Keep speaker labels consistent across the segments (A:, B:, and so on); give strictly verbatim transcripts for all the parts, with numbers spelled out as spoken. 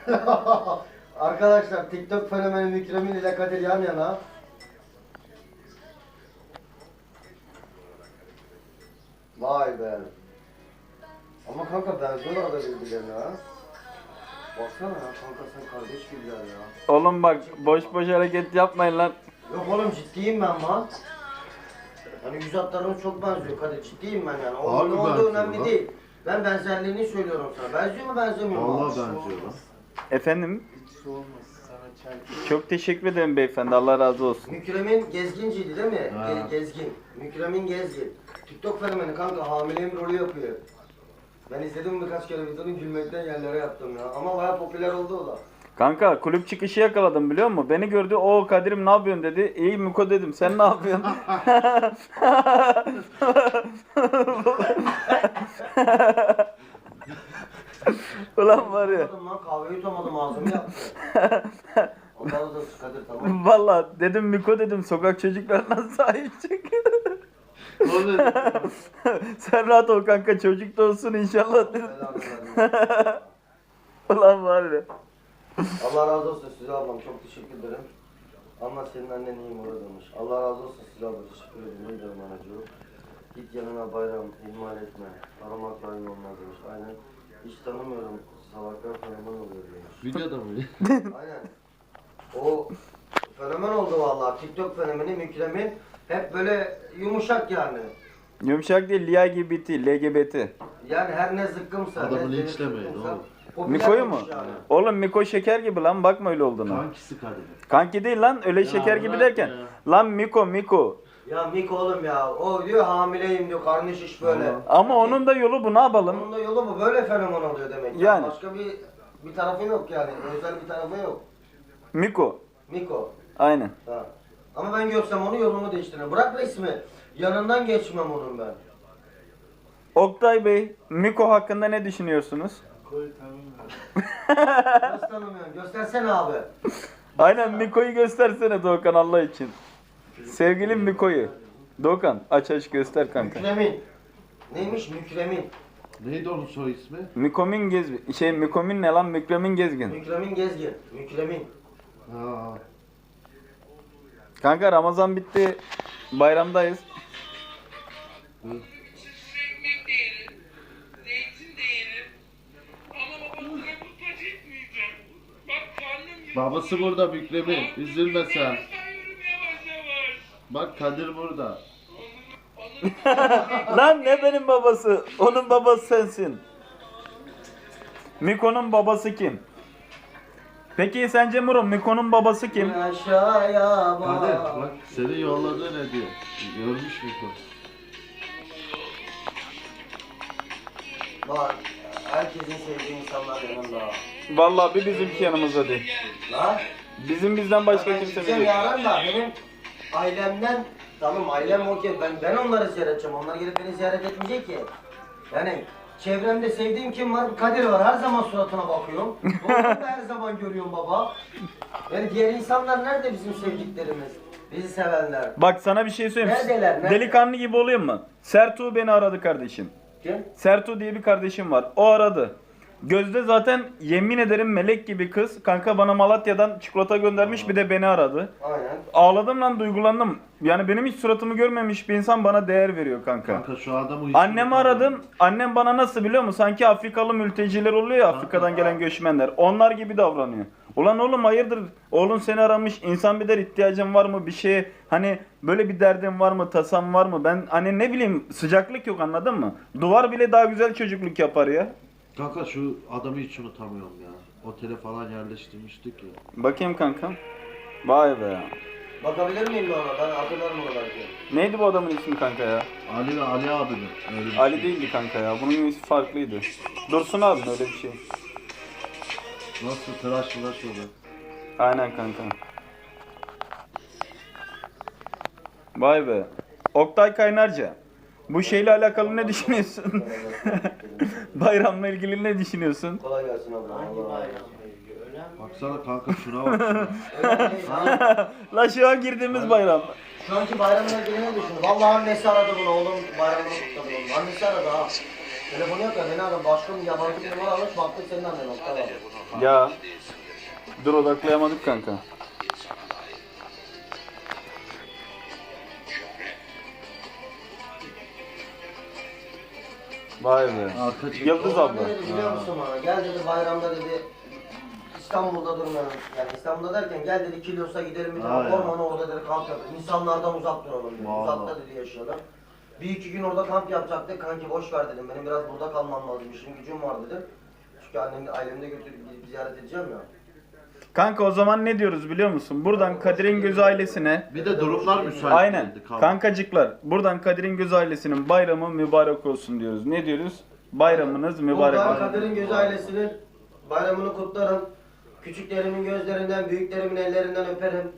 A: Arkadaşlar TikTok fenomeni Mükremin ile Kadir yan yana. Vay be. Ama kanka benziyorlar da birbirlerine ha. Baksana ya kanka sen kardeş gibiler ya.
B: Oğlum bak boş boş hareket yapmayın lan.
A: Yok oğlum ciddiyim ben lan. Hani yüz hatlarımız çok benziyor Kadir, ciddiyim ben yani. O
C: Harbi
A: ne olduğu
C: benziyor
A: önemli
C: lan.
A: değil. Ben benzerliğini söylüyorum sana. Benziyor mu benzemiyor mu?
C: Vallahi benziyor lan.
B: Efendim?
D: Hiç olmaz sana çay.
B: Çok teşekkür ederim beyefendi. Allah razı olsun.
A: Mükremin Gezginciydi değil mi?
C: Ha.
A: Ge- Gezgin. Mükremin Gezgin. TikTok fenomeni kanka, hamileyim rolü yapıyor. Ben izledim birkaç kere videonu, gülmekten yerlere yattım ya. Ama bayağı popüler oldu o da.
B: Kanka kulüp çıkışı yakaladım biliyor musun? Beni gördü. O Kadir'im ne yapıyorsun dedi. İyi Miko dedim. Sen ne yapıyorsun? Ulan var ya.
A: Tutamadım lan, kahveyi tutamadım, ağzımı yaptı. Ondan da Kadir tamam.
B: Valla dedim Miko dedim. Sokak çocuklarına sahip çık.
C: O ne?
B: Sen rahat ol kanka. Çocuk da olsun inşallah dedim.
A: Belanı versin.
B: Ulan var ya.
A: Allah razı olsun size ablam, çok teşekkür ederim. Ama senin annen iyi mi demiş. Allah razı olsun size abla, teşekkür ederim. Ne diyorum anacığım. Git yanına bayram, ihmal etme. Aramak daim olmaz demiş. Aynen. Hiç tanımıyorum. Salaklar fenomen oluyor demiş.
C: Videoda mı?
A: Aynen. O fenomen oldu vallahi. TikTok fenomeni Mükremin. Hep böyle yumuşak yani.
B: Yumuşak değil. L G B T. L G B T.
A: Yani her ne zıkkımsa,
C: Adamı
A: ne
C: linçlemeyin
A: zıkkımsa
C: oğlum.
A: popüler
B: Miko'yu mu?
A: olmuş yani.
B: Oğlum Miko şeker gibi lan. Bakma öyle olduğuna.
C: Kankisi Kadir.
B: Kanki değil lan. Öyle
C: Ya
B: şeker gibi
C: bırak
B: derken.
C: ya.
B: Lan Miko Miko.
A: Ya Miko oğlum ya. O diyor hamileyim diyor. Karnı şiş böyle.
C: Allah.
B: Ama onun da yolu bu, ne yapalım?
A: Onun da yolu bu. Böyle fenomen oluyor demek. Yani.
B: Yani.
A: Başka bir bir tarafı yok yani. Özel bir tarafı yok.
B: Miko.
A: Miko.
B: Aynen.
A: Ha. Ama ben görsem onu yolumu değiştiririm. Bırak resmi. Yanından geçmem onun ben.
B: Oktay Bey, Miko hakkında ne düşünüyorsunuz?
D: Koy tanımıyorum.
A: Nasıl tanımıyorsun? Göstersene abi.
B: Aynen Miko'yu göstersene Doğukan Allah için. Sevgilim Miko'yu. Doğukan aç aç göster kanka.
A: Mükremin. Neymiş Mükremin?
C: Neydi onun soy ismi?
B: Mikomin Gezgin. Şey Mikomin ne lan? Mükremin Gezgin.
A: Mükremin Gezgin. Mükremin.
C: Ha.
B: Kanka Ramazan bitti. Bayramdayız.
C: Hı.
E: ekmek de yerim, zeytin de yerim. Ama babasına muhtaç etmeyeceğim. Bak karnım yiyor.
C: Babası burada Mükremin. Üzülme sen.
E: Sayıyorum yavaş yavaş.
C: Bak Kadir burada.
E: Onun
B: Lan ne benim babası? Onun babası sensin. Miko'nun babası kim? Peki sence Muro Miko'nun babası kim?
A: Aşağıya
C: Kadir
A: bak.
C: bak senin yolladığı ne diyor? Görmüş mü bu?
A: Bak. Herkesin sevdiği insanlar yanında.
B: Vallahi bir bizimki yanımızda değil.
A: Lan.
B: Bizim bizden başka
A: Ben
B: kimse
A: gideceğim
B: yok.
A: yarın da benim ailemden, tamam ailem okey, ben ben onları ziyaret edeceğim, onlar gelip beni ziyaret etmeyecek ki. Yani çevremde sevdiğim kim var? Kadir var, her zaman suratına bakıyorum. Doğru'yu da her zaman görüyorum baba. Yani diğer insanlar nerede bizim sevdiklerimiz? Bizi sevenler.
B: Bak sana bir şey söyleyeyim.
A: Neredeler, nerede?
B: Delikanlı gibi olayım mı? Sertu beni aradı kardeşim.
A: Kim?
B: Sertu diye bir kardeşim var. O aradı. Gözde zaten yemin ederim melek gibi kız. Kanka bana Malatya'dan çikolata göndermiş, bir de beni aradı.
A: Aynen.
B: Ağladım lan, duygulandım. Yani benim hiç suratımı görmemiş bir insan bana değer veriyor kanka.
C: Kanka şu adamı hiç
B: Annemi
C: unutmam
B: aradım. Annem bana nasıl biliyor musun? Sanki Afrikalı mülteciler oluyor ya, Afrika'dan gelen göçmenler. Onlar gibi davranıyor. Ulan oğlum hayırdır? Oğlun seni aramış. İnsan bir der ihtiyacın var mı bir şeye? Hani böyle bir derdin var mı? Tasan var mı? Ben hani ne bileyim, sıcaklık yok, anladın mı? Duvar bile daha güzel çocukluk yapar ya.
C: Kanka şu adamı hiç unutamıyorum ya. Otele falan yerleştirmiştik ya.
B: Bakayım kanka. Vay be.
A: Bakabilir miyim ben ona? Ben hatırlarım onu belki.
B: Neydi bu adamın ismi kanka ya?
C: Ali ve Ali abi mi? Öyle bir
B: Ali
C: şey.
B: değildi kanka ya. Bunun ismi farklıydı. Dursun abi öyle bir şey.
C: Nasıl tıraş mıraş oluyor?
B: Aynen kanka. Vay be. Oktay Kaynarca. Bu şeyle alakalı ne düşünüyorsun? Bayramla ilgili ne düşünüyorsun?
A: Kolay gelsin abla.
D: Hangi
A: Allah razı olsun.
D: bayramla ilgili? Ölen mi?
C: Baksana kanka şuna bak. şuna.
A: Öyle değil, ha?
B: La şu an girdiğimiz bayram.
A: Şu anki bayramla ilgili ne düşünüyorsun? Vallahi annesi aradı bunu, oğlum bayramını kutladı oğlum. Annesi aradı ha. Telefonu yok ya beni aradı. Başka bir yabancı bir numara almış. Baktık senin annen nokta var.
B: Ya. Dur odaklayamadık kanka. Vay be.
C: Arka çık.
B: Yıldız
A: Sonra
B: abla.
A: ne dedi biliyor musun bana? Gel dedi bayramda dedi. İstanbul'da durmayalım. Yani İstanbul'da derken gel dedi Kilyos'a gidelim bir tane
C: Ha, ya.
A: ormana orada dedi kamp yapalım. İnsanlardan uzak duralım dedi.
C: Vallahi.
A: Uzakta dedi yaşayalım. Bir iki gün orada kamp yapacaktık. Kanki boş ver dedim. Benim biraz burada kalmam lazım. İşim gücüm var dedim. Çünkü annem ailemde götürüp gidip ziyaret edeceğim ya.
B: Kanka o zaman ne diyoruz biliyor musun? Buradan Kadir'in Göz ailesine
C: Bir de durumlar müsait
B: aynen
C: değildi, kaldı.
B: kankacıklar buradan Kadir'in Göz ailesinin bayramı mübarek olsun diyoruz. Ne diyoruz? Bayramınız mübarek
A: Buradan
B: olsun.
A: Kadir'in Göz ailesinin bayramını kutlarım. Küçüklerimin gözlerinden, büyüklerimin ellerinden öperim.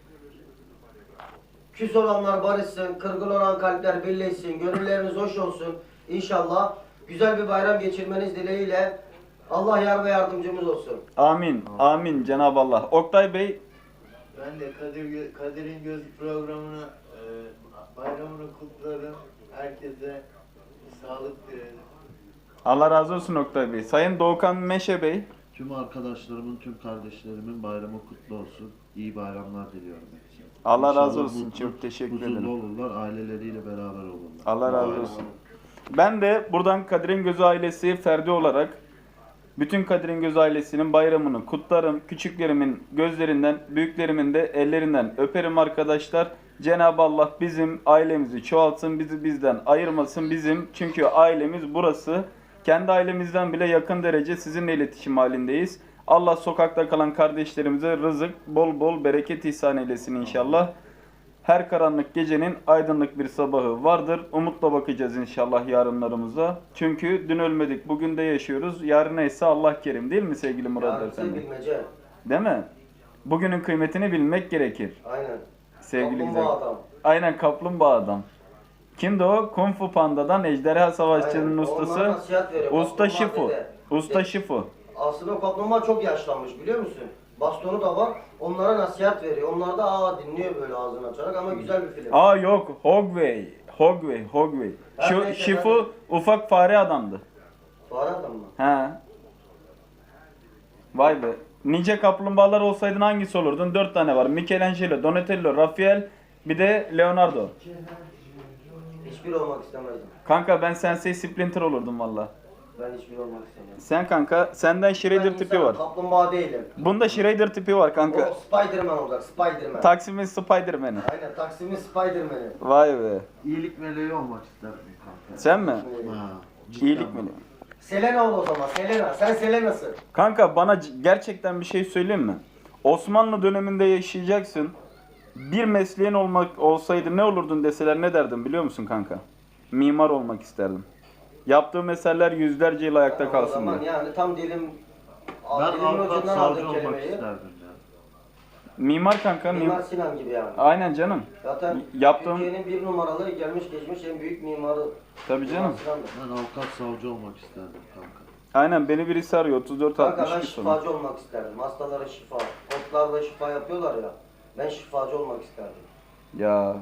A: Küs olanlar barışsın, kırgın olan kalpler birleşsin, gönülleriniz hoş olsun. İnşallah güzel bir bayram geçirmeniz dileğiyle Allah yar ve yardımcımız olsun.
B: Amin. Amin Cenab-ı Allah. Oktay Bey
D: Ben de Kadir Gö- Kadir'in Göz programını e, bayramını kutlarım. Herkese sağlık dilerim.
B: Allah razı olsun Oktay Bey. Sayın Doğukan Meşe Bey.
C: Tüm arkadaşlarımın, tüm kardeşlerimin bayramı kutlu olsun. İyi bayramlar diliyorum hepsine.
B: Allah razı
C: İnşallah
B: olsun.
C: mutlu,
B: Çok teşekkür
C: huzurlu
B: ederim.
C: olurlar, aileleriyle beraber olurlar.
B: Allah razı
C: Bayram.
B: olsun. Ben de buradan Kadir'in Gözü ailesi ferdi olarak bütün Kadir'in Gözü ailesinin bayramını kutlarım. Küçüklerimin gözlerinden, büyüklerimin de ellerinden öperim arkadaşlar. Cenab-ı Allah bizim ailemizi çoğaltsın, bizi bizden ayırmasın bizim. Çünkü ailemiz burası. Kendi ailemizden bile yakın derece sizinle iletişim halindeyiz. Allah sokakta kalan kardeşlerimize rızık, bol bol bereket ihsan eylesin inşallah. Her karanlık gecenin aydınlık bir sabahı vardır. Umutla bakacağız inşallah yarınlarımıza. Çünkü dün ölmedik, bugün de yaşıyoruz. Yarına ise Allah kerim değil mi sevgili Murat
A: Yarısı
B: Efendi?
A: bilmece.
B: Değil mi? Bugünün kıymetini bilmek gerekir.
A: Aynen.
B: Sevgili
A: Kaplumbağa
B: güzel.
A: adam.
B: Aynen kaplumbağa adam. Kimdi o? Kung Fu Panda'dan Ejderha Savaşçı'nın
A: Aynen. Onlara
B: ustası.
A: nasihat veriyor.
B: Usta
A: Kaplumbağa
B: Şifu.
A: dede.
B: Usta Şifu.
A: Aslında o kaplumbağa çok yaşlanmış biliyor musun? Bastonu da var. Onlara nasihat veriyor. Onlar da aa dinliyor böyle ağzını açarak ama güzel bir film.
B: Aa yok. Hogway. Hogway. Hogway.
A: Her
B: Şu
A: neyse,
B: Şifu ufak fare adamdı.
A: Fare adam mı?
B: He. Vay be. Nice kaplumbağalar olsaydın hangisi olurdun? Dört tane var. Michelangelo, Donatello, Raphael, bir de Leonardo.
A: Hiçbir olmak istemezdim.
B: Kanka ben Sensei Splinter olurdum valla.
A: Ben hiçbir olmak istemezdim.
B: Sen kanka, senden Shredder
A: Ben
B: tipi
A: insanım,
B: var.
A: Kaplumbağa değilim.
B: Bunda Shredder tipi var kanka.
A: O Spiderman olacak. Spiderman.
B: Taksim'in Spiderman'i.
A: Aynen Taksim'in Spiderman'i.
B: Vay be.
C: İyilik meleği olmak isterdim kanka.
B: Sen mi?
C: Ha, cidden
B: İyilik
C: bak.
B: mi?
A: Selena ol o zaman. Selena. Sen Selena'sın.
B: Kanka bana c- gerçekten bir şey söyleyeyim mi? Osmanlı döneminde yaşayacaksın. Bir mesleğin olmak olsaydı ne olurdun deseler ne derdin biliyor musun kanka? Mimar olmak isterdim. Yaptığım eserler yüzlerce yıl ayakta
A: O
B: kalsın
A: zaman
B: diye.
A: yani tam dilim...
C: Ben
A: dilimin
C: avukat,
A: ucundan
C: savcı
A: aldım
C: olmak
A: kelimeyi.
C: isterdim ya.
B: Mimar kanka.
A: Mimar
B: Mim-
A: Sinan gibi yani.
B: Aynen canım.
A: Zaten
B: Yaptığım-
A: Türkiye'nin bir numaralı gelmiş geçmiş en büyük mimarı.
B: Tabii
A: Mimar
B: canım.
A: Sinan'dır.
C: Ben avukat, savcı olmak isterdim kanka.
B: Aynen beni birisi arıyor. otuz dört
A: Kanka
B: altmış
A: ben
B: bir sonra.
A: şifacı olmak isterdim. Hastalara şifa. Otlarla şifa yapıyorlar ya. Ben şifacı olmak isterdim.
B: Ya.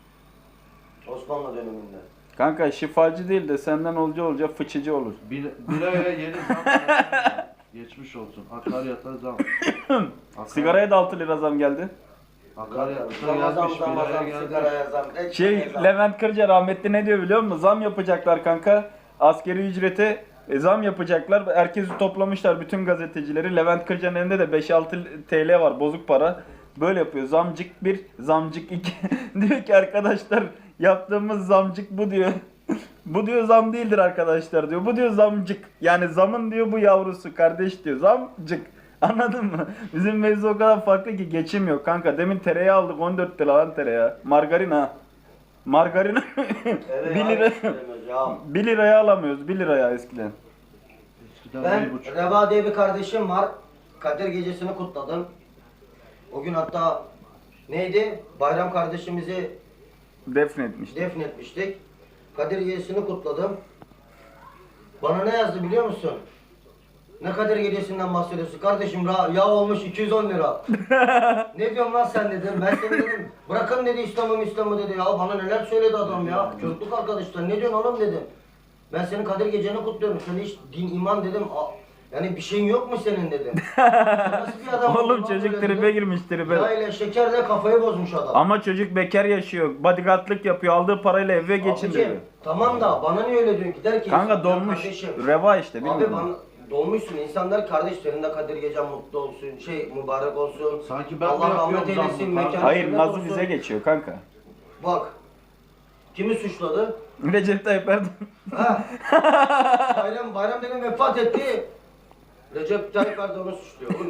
A: Osmanlı döneminde.
B: Kanka şifacı değil de senden olca olca fıçıcı olur.
C: Bir, bir aya yeni zam geldi. Geçmiş olsun. Akaryata zam. Akar,
B: Sigaraya da altı lira zam geldi.
C: Akaryata
A: Ramazan,
C: gelmiş, bir aya
A: Ramazan,
C: gelmiş.
A: sigaraya zam. ekmeğe
B: Şey
A: zam.
B: Levent Kırca rahmetli ne diyor biliyor musun? Zam yapacaklar kanka. Askeri ücrete e, zam yapacaklar. Herkesi toplamışlar bütün gazetecileri. Levent Kırca'nın elinde de beş altı T L var bozuk para. Böyle yapıyor. Zamcık bir, zamcık iki. Diyor ki arkadaşlar yaptığımız zamcık bu diyor. Bu diyor zam değildir arkadaşlar diyor. Bu diyor zamcık. Yani zamın diyor bu yavrusu kardeş diyor. Zamcık. Anladın mı? Bizim mevzu o kadar farklı ki geçim yok kanka. Demin tereyağı aldık on dört lira lan tereyağı. Margarin ha. Margarin
A: Evet,
B: bir lira
A: abi, söylemiyoruz ya.
B: bir liraya alamıyoruz. bir liraya eskiden.
C: Eskiden
A: Ben
C: bir buçuk.
A: Reva diye bir kardeşim var. Kadir gecesini kutladım. O gün hatta neydi? Bayram kardeşimizi
B: Defnetmiştik.
A: defnetmiştik. Kadir gecesini kutladım. Bana ne yazdı biliyor musun? Ne Kadir gecesinden bahsediyorsun? Kardeşim ra- yağ olmuş iki yüz on lira. Ne diyorsun lan sen dedim. Ben seni dedim. Bırakın dedi İslam'ı İslam'ı dedi. Ya bana neler söyledi adam ya. Çocukluk arkadaşlar ne diyorsun oğlum dedim. Ben senin Kadir Geceni kutluyorum. Sen hiç din, iman dedim. A- Yani bir şeyin yok mu senin dedim. Nasıl bir adam
B: Oğlum
A: oldun lan
B: çocuk
A: böyle
B: tribe
A: dedim.
B: girmiş tribe.
A: Ya ile şeker de kafayı bozmuş adam.
B: Ama çocuk bekar yaşıyor. Bodyguardlık yapıyor. Aldığı parayla eve geçindiriyor.
A: Abicim, tamam da bana niye öyle diyorsun ki der ki
B: Kanka
A: insanlar
B: dolmuş.
A: kardeşim.
B: Reva işte
A: Abi
B: bilmiyorum.
A: bana dolmuşsun. İnsanlar kardeş, senin de Kadir Gecen mutlu olsun. Şey mübarek olsun.
C: Sanki ben
A: Allah
C: mi
A: rahmet
C: yapıyorum
A: eylesin.
C: zammı?
A: Mekanı
B: Hayır
A: cennet
B: Nazlı
A: olsun.
B: bize geçiyor kanka.
A: Bak. Kimi suçladı?
B: Recep Tayyip Erdoğan.
A: Ha. Bayram, bayram dedim vefat etti. Recep Tayyip Erdoğan'ı suçluyor. Oğlum,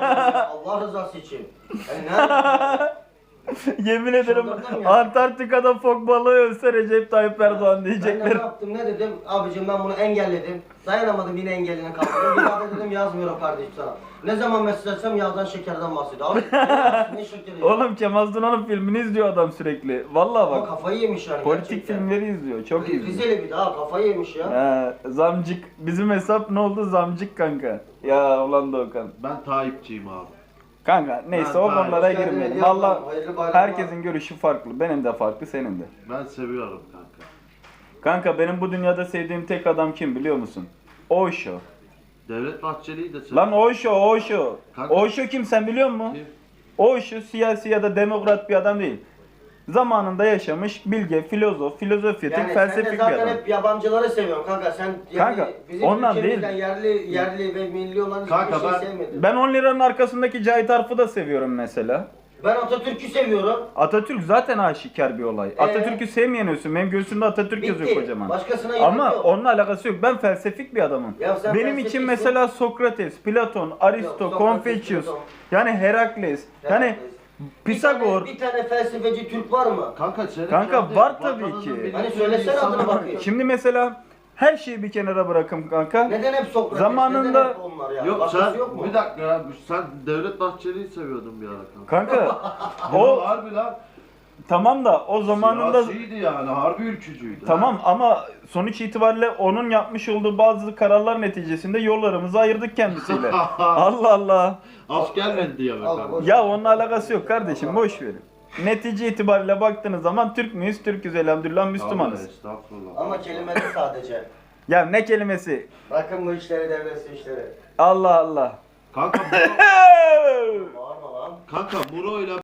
A: Allah rızası için. Yani nerede?
B: Yemin ederim
A: Çıldırdım ya.
B: Antarktika'da fok balığı ölse Recep Tayyip Erdoğan
A: Ben de ne
B: diyecekler.
A: yaptım ne dedim? Abicim ben bunu engelledim. Dayanamadım yine engeline kaldım. Bir daha da dedim yazmıyorum kardeşim sana. Ne zaman mesaj atsam yağdan şekerden bahsediyor. Abi ne şekeri ya?
B: Oğlum Kemal Sunal'ın filmini izliyor adam sürekli. Vallahi
A: Ama
B: bak.
A: kafayı yemiş yani
B: Politik
A: gerçekten.
B: filmleri izliyor. Çok iyi.
A: Rizeli bir daha kafayı yemiş ya.
B: He, zamcık. Bizim hesap ne oldu? Zamcık kanka. Ya ulan Doğukan.
C: Ben Tayyipçiyim abi.
B: Kanka neyse
C: Ben
B: o
C: Tayyip.
B: konulara
A: Hoş geldin,
B: girmeyelim.
A: hediye
B: Valla
A: alalım. Hayırlı bayramlar.
B: herkesin görüşü farklı. Benim de farklı, senin de.
C: Ben seviyorum kanka.
B: Kanka benim bu dünyada sevdiğim tek adam kim biliyor musun? Osho.
C: Devlet Bahçeli'yi de seviyorum.
B: Lan Osho, Osho.
C: Kanka-
B: Osho kim sen biliyor musun?
C: Kim?
B: Osho siyasi ya da demokrat bir adam değil. Zamanında yaşamış bilge, filozof, filozofyatik,
A: Yani sen de
B: felsefik bir
A: zaten
B: adam.
A: hep yabancıları seviyorsun kanka. Sen yani
B: Kanka,
A: bizim
B: ondan
A: ülkemizden
B: değil.
A: yerli yerli ve milli olan hiçbir
C: Kanka,
A: şey
C: ben-
A: sevmedim.
B: Ben on liranın arkasındaki Cahit Arf'ı da seviyorum mesela.
A: Ben Atatürk'ü seviyorum.
B: Atatürk zaten aşikar bir olay.
A: Ee?
B: Atatürk'ü sevmeyen ölsün. Benim göğsümde Atatürk yazıyor
A: Bitti.
B: kocaman.
A: Başkasına gerek
B: Ama
A: yok.
B: onunla alakası yok. Ben felsefik bir adamım.
A: Ya sen
B: Benim
A: felsefiksin.
B: için mesela Sokrates, Platon, Aristo,
A: Sokrates,
B: Confucius,
A: Platon.
B: yani Herakles, yani
A: Herakles.
B: Pisagor.
A: Bir tane, bir tane felsefeci Türk var mı?
C: Kanka senin
B: Kanka,
C: kendi
B: var tabii
C: vatanının
B: ki.
C: milletinin
A: Hani söylesene
C: insanı-
A: adını bakayım.
B: Şimdi mesela her şeyi bir kenara bırakın kanka.
A: Neden hep Sokrates?
B: Zamanında-
A: Neden hep onlar ya?
C: Yok
A: Başkası
C: sen
A: yok mu?
C: bir dakika ya sen Devlet Bahçeli'yi seviyordun bir ara kanka.
B: Kanka
C: O
B: o
C: harbi lan.
B: tamam da o zamanında
C: Siyasiydi yani harbi ülkücüydü.
B: tamam ama sonuç itibariyle onun yapmış olduğu bazı kararlar neticesinde yollarımızı ayırdık kendisiyle. Allah Allah.
C: Asker mi diye
A: Al,
C: bakalım.
A: boş-
B: Ya onunla alakası yok kardeşim, boş verin. Netice itibariyle baktığınız zaman Türk müyüz? Türküz elhamdülillah, Müslümanız.
C: Abi, estağfurullah.
A: Ama kelimeli sadece.
B: Ya ne kelimesi?
A: Bakın bu işleri devresi işleri.
B: Allah Allah.
C: Kanka Muro,
A: Bağırma lan.
C: kanka Muro'yla